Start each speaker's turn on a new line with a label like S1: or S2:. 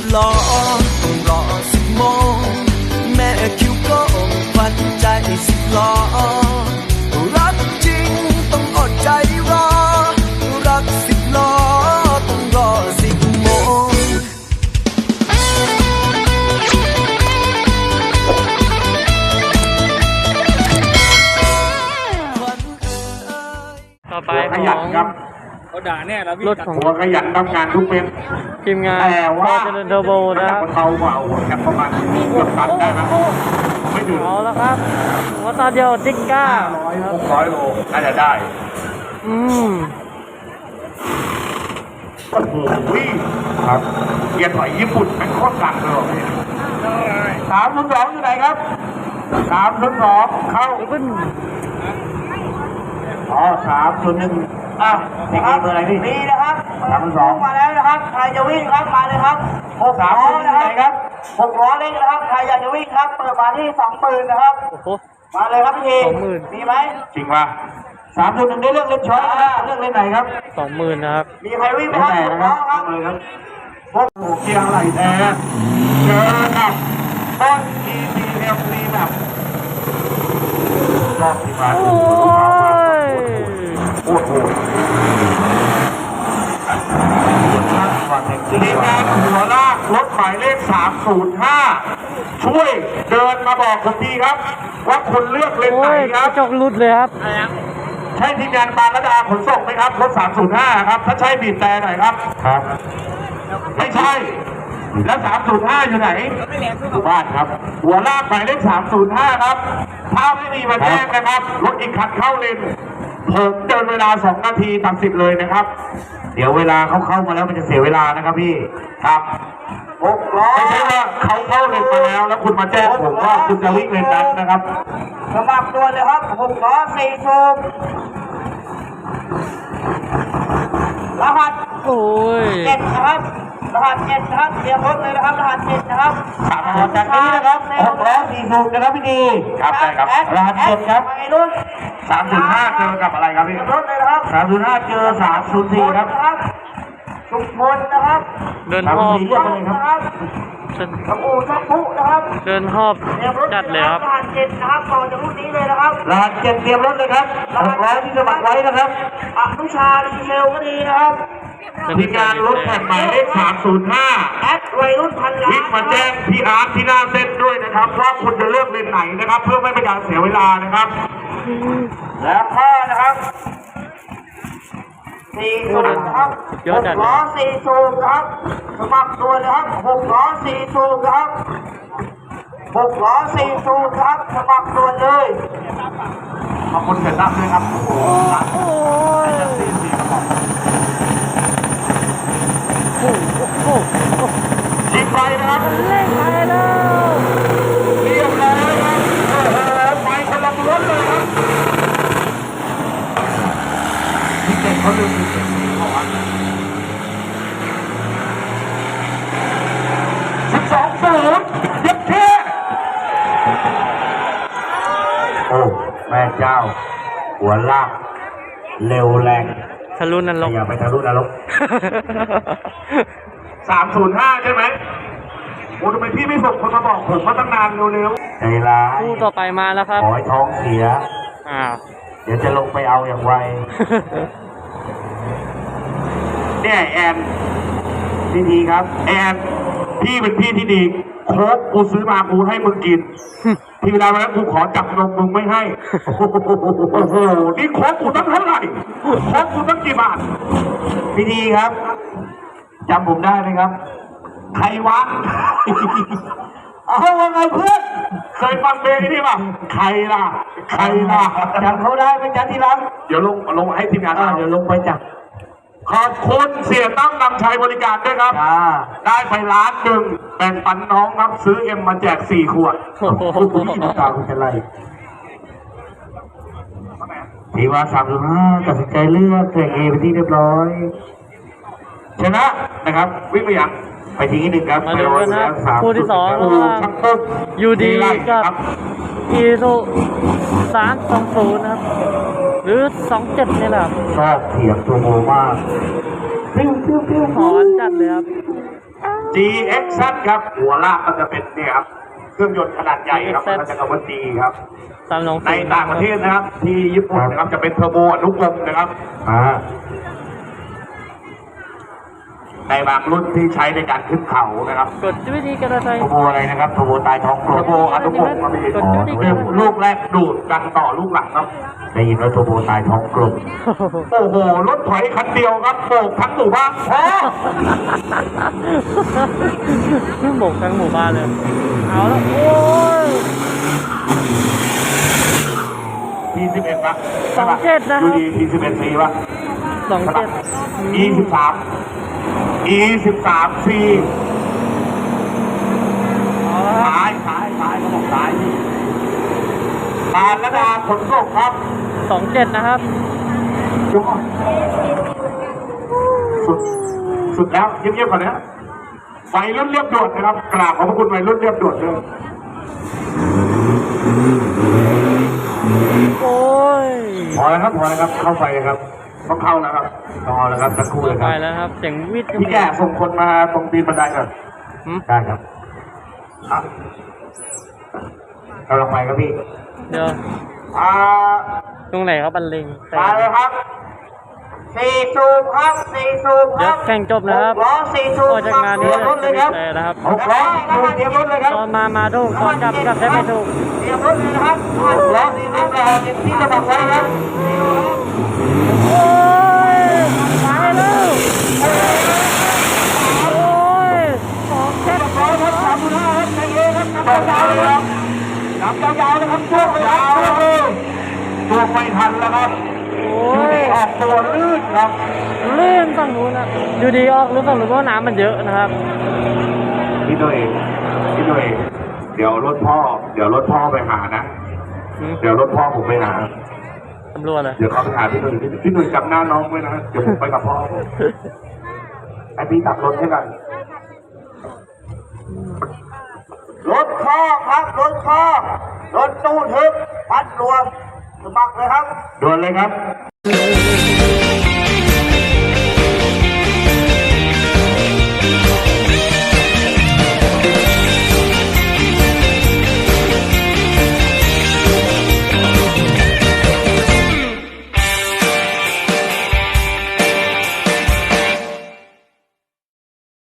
S1: ล้อต้องรอ10 โมงแม่คิวโก้ควันใจ10 ล้อรักจริงต้องอดใจรอรัก10 ล้อต้องรอ10 โมง
S2: ต่อไป
S3: ขยันครับ
S4: เขาด่าแน่แล้วพี่
S2: รถของ
S3: หัวขยันทำงานทุกเม็ด
S2: ทีมงาน
S3: แต่ว่า
S2: เจริญเทอร์โบนะครับ
S3: เบาเบาแค่ประมาณเกือบตันได้นะไม่ถึง
S2: เอาแล้วครับหัวตาเดียวติ๊กก้าครับ
S3: 600 โลน่าจะได้
S2: อืม
S3: โอ้โหครับเกียร์ถอยญี่ปุ่นเป็นโคตรสั่งเลยว่ะพี่302อยู่ไหนครับ302เข้า
S2: ขึ้น
S3: อ๋อ301อ่ะนี่เบอร์อะไรพี่
S4: นี่นะครับ
S3: 302
S4: มาแล้วนะครับใครจะวิ่งครับมาเลยครับ6 ล้อ
S3: 301อยู่
S4: นะ
S3: ไหน
S4: ค
S3: ครับ รับ
S4: 6 ล้อเล็กนะครับใครอยากจะวิ่งครับเปิดมาที่20,000นะครับ
S2: โอ้โห
S4: มาเลยครับพี่
S2: 20,000
S4: มีไหม
S3: จริงป่ะ301ได้เลือกเล่นช้อยนะครับเลือกเล่นไหนครับ
S2: 20,000นะครับ
S4: มีใครวิ่งไหม
S3: ไม่
S4: ครับ
S3: แน่
S4: 6
S3: นะค
S4: ล้
S3: รั
S4: อบ ครับ
S3: เลยครับพวกหมูเกียร์ไหลแท้เจอกับต้น ECM นีแบบรอบที่มา
S2: โอ้ย
S3: โอ้โหทีมงานหัวลากรถหมายเลข305ช่วยเดินมาบอกผมทีครับ ว่าคุณเลือกเลน
S2: โอ้
S3: ไหน
S2: ย
S3: ค
S2: ก
S3: รั
S2: ระ
S3: บ
S2: จกหลุดเลยครับ
S3: ใช่ทีมงานปานระดาขนส่งไหมครับรถ305ครับถ้าใช่บีบแต่หน่อยครับครับไม่ใช่แล้ว 305 อยู่ไหนอยู่บ้านครับ หัวลากหมายเลข305 ครับถ้าไม่มีมาแจ้งนะครับรถอีกคันเข้าเลนผมเดินเวลา2 นาทีตัด10เลยนะครับ เดี๋ยวเวลาเขาเข้ามาแล้วมันจะเสียเวลานะครับพี่ครับ6 ล้อไม่ใช่ว่าเขาเข้าเลนมาแล้วคุณมาแจ้งผมว่าคุณจะวิ่งเลนนั้นนะครับ
S4: สมัครตัวเลยครับ6 ล้อ4สูบรหัส
S2: โอ้ย
S4: 7นะครับรหัส7นะครับเตรียมรถเลยนะครับรหัส7นะครับ
S3: ครับจากนี้นะครับ6 ล้อ4สูบนะครับพี่ดีครับได้ครับรหัส7ครับ
S4: ไปรุ่น
S3: 305เจอกับอะไรครับพี่
S4: รถเลยนะครับ
S3: 305เจอ304ครับ
S4: ชุมพลนะครับ
S2: เดินหอบ
S3: 304เรียกมาเลยครับ
S4: นะครับกระปูชักพุนะครับ
S2: เดินหอบ
S4: เตรียมรถ
S2: จัดเลยครับ
S4: รหัส7นะครับต่อจากรุ่นนี้เลยนะครับ
S3: รหัส7เตรียมรถเลยครับ6 ล้อที่สมัครไว้นะครับ
S4: อนุชาดีเซลก็ดีนะครับ
S3: ทีมงานรถแผ่นหมายเลข305
S4: แอดวัยรุ่นพันล้าน
S3: วิ่งมาแจ้งพี่อาร์ตที่หน้าเส้นด้วยนะครับว่าคุณจะเลือกเลนไหนนะครับ เพื่อไม่เป็นการเสียเวลานะครับ
S4: แล้วก็นะครับ4สูบนะครับ
S2: เยอะจัด
S4: 6 ล้อ4สูบนะครับสมัครตัวนะครับ6 ล้อ4สูบนะครับ6 ล้อ4สูบนะครับสมัครตัวเลย
S3: ขอบคุณเสร็จรับด้วยครับโอ้โห
S2: โอ้ย โอ้โห
S3: ชิงไปนะครับ
S2: เล่นไปแล้ว
S3: เรียบร้อยครับโอ้โหไปคนละรถเลยครับพี่เก่งเขาลืมพี่เก่งเขาอ่ะ12-0ยัดเท่โอ้แม่เจ้า หัวลากเร็วแรง
S2: ทะลุนรก
S3: อย่าไปทะลุนรก 305 ใช่ไหมโอ้ทำไมพี่ไม่ส่งคนมาบอกผมมาตั้งนานเร็วๆใจร้าย
S2: คู่ต่อไปมาแล้วครับ
S3: ขอให้ท้องเสีย
S2: อ้าว
S3: เดี๋ยวจะลงไปเอาอย่างไว เนี่ยแอนดีครับ แอนพี่เป็นพี่ที่ดีโค้กกูซื้อมากูให้มึงกิน ทีเวลาแล้วกูขอจับนมมึงไม่ให้ โอ้โห นี่โค้กกูตั้งเท่าไหร่โค้กกูตั้งกี่บาท พี่ดีครับจำผมได้ไหมครับ ใครวะ เอาว่าไงเพื่อนเคยฟังเพลงนี้ป่ะใครล่ะ ใครล่ะจำเขาได้ไหมจ๊ะที่รักเดี๋ยวลงให้ทีมงานเดี๋ยวลงไปจับขอบคุณเสียตั้มนำชัยบริการด้วยครับได้ไป1,000,000แบ่งปันน้องครับซื้อเอ็มมาแจก4 ขวด
S2: โอ้โห
S3: ตาคุณเป็นไรทีว่า305ตัดสินใจเลือกแข่งเอไปที่เรียบร้อยชนะนะครับวิ่งไปยังไปทีที่ 1ครับ
S2: มาดูกันนะคู่ที่ 2ระหว่าง
S3: ชักปุ๊บ
S2: ยูดี
S3: ไล่
S2: กับ อีซู320นะครับ หรือ27นี่แหละครับ
S3: ชอบเถียงตัวโมมาก
S2: หอนจัดเลยครับ
S3: จ DXZ ครับหัวลากก็จะเป็นเนี่ยครับเครื่องยนต์ขนาดใหญ่ครับมันจะคำว่า D ครับ
S2: 320
S3: ในต่างประเทศนะครับ ที่ญี่ปุ่นนะครับจะเป็นเทอร์โบอนุกรมนะครับในบางรุ่นที่ใช้ในการขึ้นเขานะครับ
S2: กดวิธีการใช้
S3: เทอร์โบอะไรนะครับเทอร์โบใต้ท้องกลมเทอร์โบอนุกรมครับพี่ลูกแรกดูดกันต่อลูกหลังครับได้ยินว่าเทอร์โบใต้ท้องกลมโอ้โหรถถอยคันเดียวครับโบกทั้งหมู่บ้านพอ
S2: โบกทั้งหมู่บ้านเลยเอาแล้วโอ้ย
S3: T11 ป่ะ
S2: 27นะครับ
S3: ดูดี T11C ป่ะ
S2: 27
S3: E13 E13C
S2: เอาละครับ
S3: ซ้ายเขาบอกซ้ายการระดาขนส่งครับ
S2: 27นะครับ
S3: สุดแล้วเงียบๆก่อนนะไฟรุ่นเรียบด่วนนะครับกราบขอบพระคุณไฟรุ่นเรียบด่วนเลย
S2: โอ้ย
S3: พอแล้วครับเข้าไฟเลยครับต้องเข้าแล้วครับรอแล้วครับสักครู่เลยค
S2: ไป
S3: รับ
S2: แล้วครับเสียงวิทย์
S3: พี่แก่ส่งคนมาตรงตีนบันไดก่อนได้ครับกำลังไปครับพี่
S2: เดี๋ยว ตรงไหนครับบันเลง
S4: มาเลยครับ4สูบครับ4สูบค
S2: เดี๋ย
S4: รั
S2: ว
S4: บ
S2: แข่งจบนะครับ
S4: 6ล้อ4สูบ
S2: ออกจากงานนี้
S4: เตรียมรถเลยครับ
S2: แต่นะครับ
S3: 6 ล้อเตรียมรถเลยครับ
S2: ตอนมาถูกตอนกลับได้ไม่ถูก
S4: เตรียมรถเลยนะครับ6ล้อ4สูบที่จะบอกไว้ครับ
S2: โอ้ยไปแล้วโอ้ย27
S3: ต่อยาวเลยครับนับยาวเลยครับช่วงยาวเลยตัวไม่ทันแล้วครับ
S2: โอ้ย
S3: ออกตัวลื่นครับ
S2: ลื่นฝั่งนู้นนะอยู่ดีออกรู้ฝั่งนู้นเพราะน้ำมันเยอะนะครับ
S3: พี่หน่วยเดี๋ยวรถพ่อไปหานะ เดี๋ยวรถพ่อผมไปหา
S2: ตำรวจเลย
S3: เดี๋ยวเขาไปหาพี่หนุ่ยจำหน้าน้องไว้นะเดี๋ยวผมไปกับพ่อไอพี่ตับรถให้กัน
S4: รถคอกครับรถคอกรถตู้ทึบพัดรวมสมัครเลยครับ
S3: ด่วนเลยครับ
S1: เ